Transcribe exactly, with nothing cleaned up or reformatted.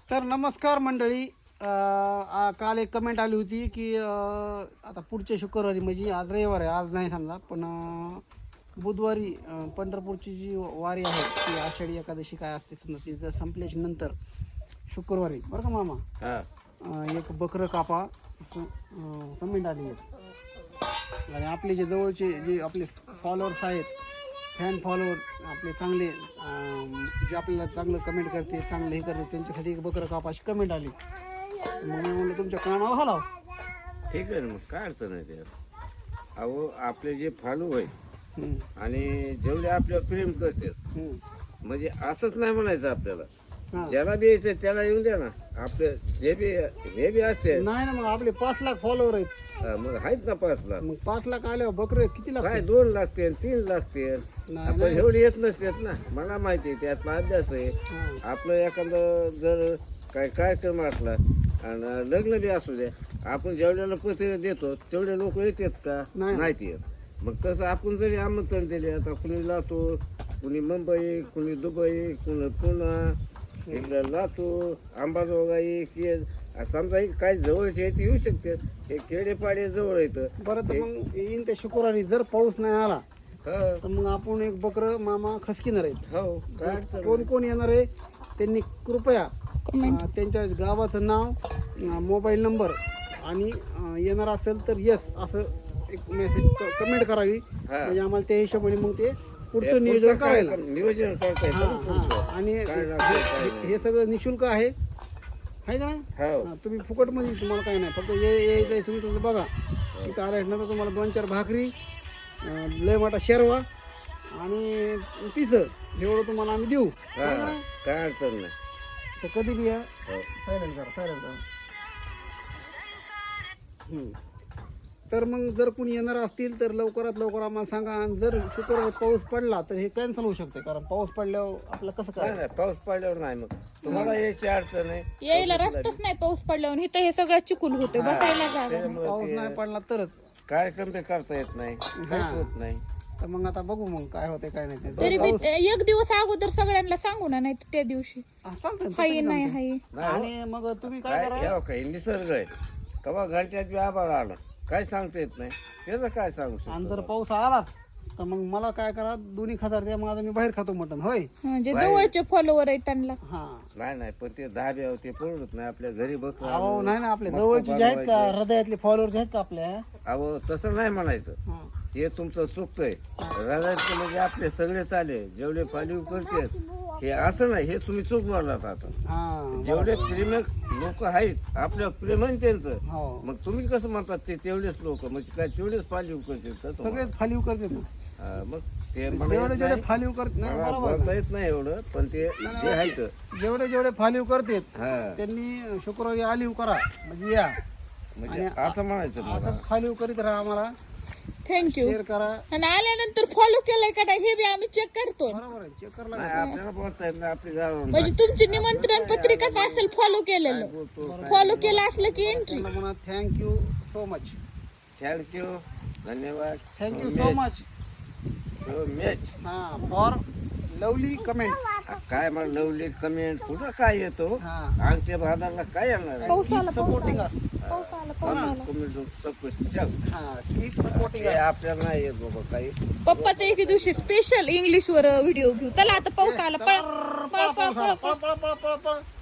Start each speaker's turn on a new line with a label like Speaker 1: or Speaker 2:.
Speaker 1: तर नमस्कार मंडळी. अ, आ- काल एक कमेंट आली होती की अ, आता पुढच्या शुक्रवारी म्हणजे आज रविवार आहे, आज नाही समजा, पण अ, बुधवारी अ, पंढरपूरची जी वारी आहे ती आषाढी एकादशी काय असते समजा ती जर संपल्याच्या नंतर शुक्रवारी बरं का मामा
Speaker 2: हा
Speaker 1: अ, एक बकरं कापा असं कमेंट आली आहे. आणि आपले जे जवळचे जे आपले फॉलोअर्स आहेत, फॅन फॉलोअर आपले चांगले अं, जे आपल्याला चांगलं कमेंट करते, चांगलं हे करते, त्यांच्यासाठी एक बकरं कापाची कमेंट आली. मग मी म्हणलं तुमच्या कानावर घालाव.
Speaker 2: ठीक आहे ना, मग काय अडचण आहे त्यात. अहो आपले जे फालू आहे
Speaker 1: हम्म,
Speaker 2: आणि जेवढे आपल्यावर प्रेम करतात,
Speaker 1: हम्म.
Speaker 2: म्हणजे असंच नाही म्हणायचं आपल्याला.
Speaker 1: हा.
Speaker 2: ज्याला बी यायचं त्याला येऊन द्या ना. आपले जे बी हे बी असते
Speaker 1: नाही ना, मग आपले पाच लाख फॉलोअर आहेत.
Speaker 2: हा, मग आहेत ना पाच लाख.
Speaker 1: मग पाच लाख आल्यावर बकरे किती
Speaker 2: काय
Speaker 1: लागतात?
Speaker 2: दोन लागते तीन लागते.
Speaker 1: नाही,
Speaker 2: आपण
Speaker 1: नाही.
Speaker 2: एवढे येत नसतात ना. मला माहिती आहे त्यातला अभ्यास आहे.
Speaker 1: हा.
Speaker 2: आपलं एखादं जर काय कार्यक्रम असला आणि लग्न बी असू द्या, आपण जेवढ्याला पत्रिका देतो तेवढे लोक येतात का?
Speaker 1: नाही.
Speaker 2: नाहीत येत. मग तसं आपण जरी आमंत्रण दिले, आता कुणी लातूर, कुणी मुंबई, कुणी दुबई, कुणी पुणा, इकडं लातूर, अंबाजोगाई, केज, समजा हे काय जवळचे आहेत ते येऊ शकतात. हे खेडेपाडे जवळ येतं.
Speaker 1: बरं, तर मग येईन त्या शुक्रवारी जर पाऊस नाही आला
Speaker 2: हो
Speaker 1: तर मग आपण एक बकरं मामा खसकिणार आहेत.
Speaker 2: हो काय अडचण
Speaker 1: कोण कोण येणार आहे त्यांनी कृपया अं, त्यांच्या गावाचं नाव, अं, मोबाईल नंबर आणि अं, येणार असेल तर यस असं एक मेसेज कमेंट करावी.
Speaker 2: हा.
Speaker 1: म्हणजे आम्हाला त्या हिशोबाने मग ते
Speaker 2: नाही.
Speaker 1: पुढचं नियोजन
Speaker 2: पुढचं काय
Speaker 1: करायला.
Speaker 2: नियोजन करता
Speaker 1: हा
Speaker 2: येतं ना
Speaker 1: हा
Speaker 2: पुढचं.
Speaker 1: आणि
Speaker 2: काय
Speaker 1: हे-
Speaker 2: लागतं, काय
Speaker 1: हे-
Speaker 2: नाही.
Speaker 1: हे सगळं निशुल्क आहे, आहे का नाही?
Speaker 2: हो
Speaker 1: हा, तुम्ही फुकटमध्ये तुम्हाला काही नाही, फक्त ये यायचं तुम्ही तुमचं बघा. तिथं आल्यानंतर तुम्हाला दोन चार भाकरी, अं, लय मोठा शेरवा आणि पिसं एवढं तुम्हाला आम्ही देऊ.
Speaker 2: हा,
Speaker 1: आहे का नाही?
Speaker 2: काय अडचण नाही.
Speaker 1: तर कधी बी या.
Speaker 2: हो.
Speaker 1: सायलेंट करा, सायलेंट करा. हम्म. तर मग जर कोणी येणार असतील तर लवकरात लवकर आम्हाला सांगा. आणि जर शुक्रवारी पाऊस पडला तर हे कॅन्सल होऊ शकते, कारण पाऊस पडल्यावर आपलं कसं
Speaker 2: नाही
Speaker 1: काय?
Speaker 2: नाही, पाऊस पडल्यावर नाही. मग तुम्हाला यायची अडचण आहे.
Speaker 3: यायला रस्ताच नाही पाऊस पडल्यावर. इथं हे सगळं चिकूल होते, बसायला जागा.
Speaker 2: त्याच्यामुळे
Speaker 1: पाऊस
Speaker 2: ते
Speaker 1: नाही पडला तरच.
Speaker 2: कार्यक्रम ते करता येत नाही, काहीच होत नाही.
Speaker 1: तर मग आता बघू मग काय होते काय नाही ते.
Speaker 3: तरी बी एक दिवस अगोदर सगळ्यांना सांगू ना, नाही तर त्या दिवशी
Speaker 1: हा, चालतंय ना, तसं
Speaker 3: हाय
Speaker 1: बी
Speaker 3: नाही
Speaker 1: जमतंय.
Speaker 3: हाय.
Speaker 2: नाही हो.
Speaker 1: आणि मग तुम्ही काय
Speaker 2: काय
Speaker 1: करा,
Speaker 2: यावं काही निसर्ग आहे. कवा घरच्यात बी आभाळ आलं काय सांगता येत नाही. त्याचं काय सांगू
Speaker 1: आणि
Speaker 2: शकतो.
Speaker 1: जर पाऊस आलाच तर मग मला काय करा, दोन्ही खाजार द्या, माझं मी बाहेर खातो मटण. होय.
Speaker 3: म्हणजे जवळचे फॉलोवर आहेत त्यांना.
Speaker 1: हा.
Speaker 2: नाही नाही, पण ते धाब्यावर ते पडत नाही. आपल्या घरी बघ.
Speaker 1: अहो नाही ना, आपल्या जवळचे जे आहेत का, हृदयातले फॉलोअर जे आहेत का आपल्या,
Speaker 2: अहो तसं नाही म्हणायचं.
Speaker 1: हा.
Speaker 2: हे तुमचं चुकतंय. रडायचं म्हणजे आपले सगळे चाले जेवढे फालीव करतात हे असं नाही. हे तुम्ही चूक बोललात आता.
Speaker 1: हा.
Speaker 2: जेवढे प्रेमक लोक आहेत आपल्या प्रेमान त्यांचं,
Speaker 1: हो.
Speaker 2: मग तुम्ही कसं म्हणतात ते तेवढेच लोक म्हणजे काय तेवढेच फालीव करतात का तुम्हाला?
Speaker 1: सगळेच फालीव करते ना.
Speaker 2: हा, मग ते मला
Speaker 1: जेवढे
Speaker 2: येत
Speaker 1: जेवढे
Speaker 2: नाही.
Speaker 1: फालीव करत नाही,
Speaker 2: मला
Speaker 1: बरोबर
Speaker 2: बोलता
Speaker 1: ना.
Speaker 2: येत नाही एवढं, पण ते जे आहेत
Speaker 1: जेवढे जेवढे फालीव करतात
Speaker 2: हा
Speaker 1: त्यांनी शुक्रवारी आलीव करा म्हणजे या.
Speaker 2: म्हणजे असं म्हणायचं मला.
Speaker 1: असंच फालीव करीत राहा, आम्हाला
Speaker 3: थँक्यू.
Speaker 1: शेअर करा.
Speaker 3: आणि आल्यानंतर फॉलो केलंय का नाही हे बी आम्ही चेक करतो.
Speaker 1: बरोबर आहे, चेक करा.
Speaker 2: नाही आपल्याला बोलता येत नाही. आपली गावावर
Speaker 3: म्हणजे तुमची निमंत्रण पत्रिकाच असेल फॉलो केलेलं.
Speaker 2: बोलतो.
Speaker 3: फॉलो केलं असलं की एंट्री.
Speaker 1: म्हणा थँक्यू सो मच.
Speaker 2: थँक्यू, धन्यवाद.
Speaker 1: Thank you so much.
Speaker 2: So much.
Speaker 1: हा, फॉर लवली कमेंट्स.
Speaker 2: काय मला लवली कमेंट कुठं काय येतो
Speaker 1: हा.
Speaker 2: आमच्या भागाला काय येणार आहे?
Speaker 3: पाऊस आला,
Speaker 1: सपोर्टिंग अस.
Speaker 3: पाऊस आला, पाऊस आला.
Speaker 2: कमेंट सबकुछ चल.
Speaker 1: हा, कीप सपोर्टिंग
Speaker 2: ते
Speaker 1: अस.
Speaker 2: आपल्याला नाही येत बाबा काही.
Speaker 3: पप्पाचा एके दिवशी स्पेशल इंग्लिश वर व्हिडिओ घेऊ. चला आता पाऊस आला, पळ पळ पळ पळ
Speaker 1: पळ पळ पळ पळ पळ.